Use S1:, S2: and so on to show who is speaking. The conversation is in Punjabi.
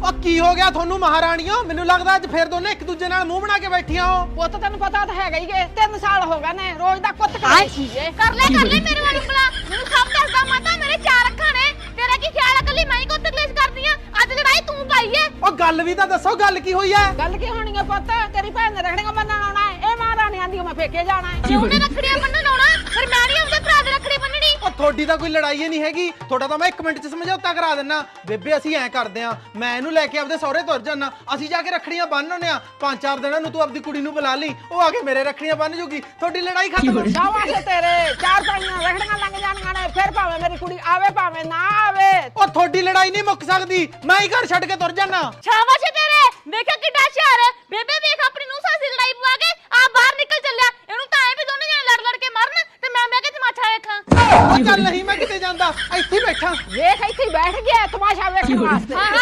S1: ਉਹ ਕੀ ਹੋ ਗਿਆ ਤੁਹਾਨੂੰ ਮਹਾਰਾਣੀਓ? ਮੈਨੂੰ ਲੱਗਦਾ ਅੱਜ ਫੇਰ ਦੋਨੇ ਇੱਕ ਦੂਜੇ ਨਾਲ ਮੂੰਹ ਬਣਾ ਕੇ ਬੈਠੀਆਂ ਹੋ।
S2: ਪੁੱਤ ਤੈਨੂੰ ਪਤਾ ਤਾਂ ਹੈਗਾ ਹੀ ਏ 3 ਸਾਲ ਹੋ ਗਏ ਨੇ ਰੋਜ਼ ਦਾ ਕੁੱਤ ਕਰਾਈ ਸੀ ਏ।
S3: ਕਰ ਲੈ ਮੇਰੇ ਵਾਲੀ ਉਂਗਲਾ। ਮੈਨੂੰ ਸਭ ਦੱਸਦਾ ਮਾਤਾ ਮੇਰੇ 4 ਅੱਖਾਂ ਨੇ। ਤੇਰਾ ਕੀ ਖਿਆਲ ਆ ਕੱਲੀ ਮੈਂ ਹੀ ਕੁੱਤ ਕਲੇਸ਼ ਕਰਦੀ ਆ? ਅੱਜ ਲੜਾਈ ਤੂੰ ਪਾਈ ਏ।
S1: ਉਹ ਗੱਲ ਵੀ ਤਾਂ ਦੱਸੋ, ਗੱਲ ਕੀ ਹੋਈ ਐ?
S2: ਗੱਲ ਕੀ ਹੋਣੀ ਏ ਪੁੱਤ? ਤੇਰੀ ਭੈਣ ਨੇ ਰਖੜੀਆਂ ਬੰਨਣ ਆਉਣਾ ਏ। ਇਹ ਮਹਾਰਾਣੀ ਆਂਦੀ ਮੈਂ ਫੇਕੇ ਜਾਣਾ ਏ।
S3: ਕਿਉਂ ਨੇ ਰੱਖੜੀਆਂ ਬੰਨਣ ਆਉਣਾ? ਫਿਰ ਮੈਂ ਨਹੀਂ ਆਪਦੇ ਭਰਾ ਦੇ ਰੱਖੜੀ ਬੰਨਣੀ।
S1: ਉਹ ਤੁਹਾਡੀ ਤਾਂ ਕੋਈ ਲੜਾਈ ਹੀ ਨਹੀਂ ਹੈਗੀ। ਤੁਹਾਡਾ ਤਾਂ ਮੈਂ 1 ਮਿੰਟ 'ਚ ਸਮਝੌਤਾ ਕਰਾ ਦਿੰਨਾ। ਬੇਬੇ ਅਸੀਂ ਐਂ ਕਰਦੇ ਆਂ, ਮੈਂ ਇਹਨੂੰ ਲੈ ਕੇ ਆਪਦੇ ਸਹੁਰੇ ਤੁਰ ਜਾਨਾ, ਅਸੀਂ ਜਾ ਕੇ ਰੱਖੜੀਆਂ ਬੰਨ੍ਹ ਆਉਂਦੇ ਆਂ। 5-4 ਦਿਨਾਂ ਨੂੰ ਤੂੰ ਆਪਦੀ ਕੁੜੀ ਨੂੰ ਬੁਲਾ ਲਈ, ਉਹ ਆ ਕੇ ਮੇਰੇ ਰੱਖੜੀਆਂ ਬੰਨ੍ਹ ਜੂਗੀ। ਤੁਹਾਡੀ ਲੜਾਈ ਖਤਮ।
S2: ਸ਼ਾਬਾਸ਼ ਏ ਤੇਰੇ। 4 ਪਾਈਆਂ ਰਖੜੀਆਂ ਲੰਘ ਜਾਣੀਆਂ ਨੇ। ਫਿਰ ਭਾਵੇਂ ਮੇਰੀ ਕੁੜੀ ਆਵੇ ਭਾਵੇਂ ਨਾ ਆਵੇ।
S1: ਉਹ ਤੁਹਾਡੀ ਲੜਾਈ ਨਹੀਂ ਮੁੱਕ ਸਕਦੀ। ਮੈਂ ਹੀ ਘਰ ਛੱਡ ਕੇ ਤੁਰ ਜਾਨਾ।
S3: ਸ਼ਾਬਾਸ਼ ਏ ਤੇਰੇ। ਵੇਖਿਆ ਕਿੱਡਾ ਹੁਸ਼ਿਆਰ ਹੈ ਬੇਬੇ। ਵੇਖ ਆਪਣੀ ਨੂੰ ਸਾਸੀ ਲੜਾਈ ਪਵਾ ਕੇ ਆ ਬਾਹਰ ਨਿਕਲ ਚੱਲਿਆ। ਇਹਨੂੰ ਤਾਂ ਐ ਵੀ ਦੋਨੇ ਜਣੇ ਲੜ ਲੜ ਕੇ ਮਰਨ ਤੇ ਮੈਂ ਕਿ ਤਮਾਸ਼ਾ ਵੇਖਾਂ।
S1: ਉਹ ਚੱਲ ਨਹੀਂ, ਮੈਂ ਕਿਤੇ ਜਾਂਦਾ, ਇੱਥੇ ਹੀ ਬੈਠਾ।
S2: ਵੇਖ ਇੱਥੇ ਹੀ ਬੈਠ ਗਿਆ ਤਮਾਸ਼ਾ ਵੇਖਣ ਵਾਸਤੇ।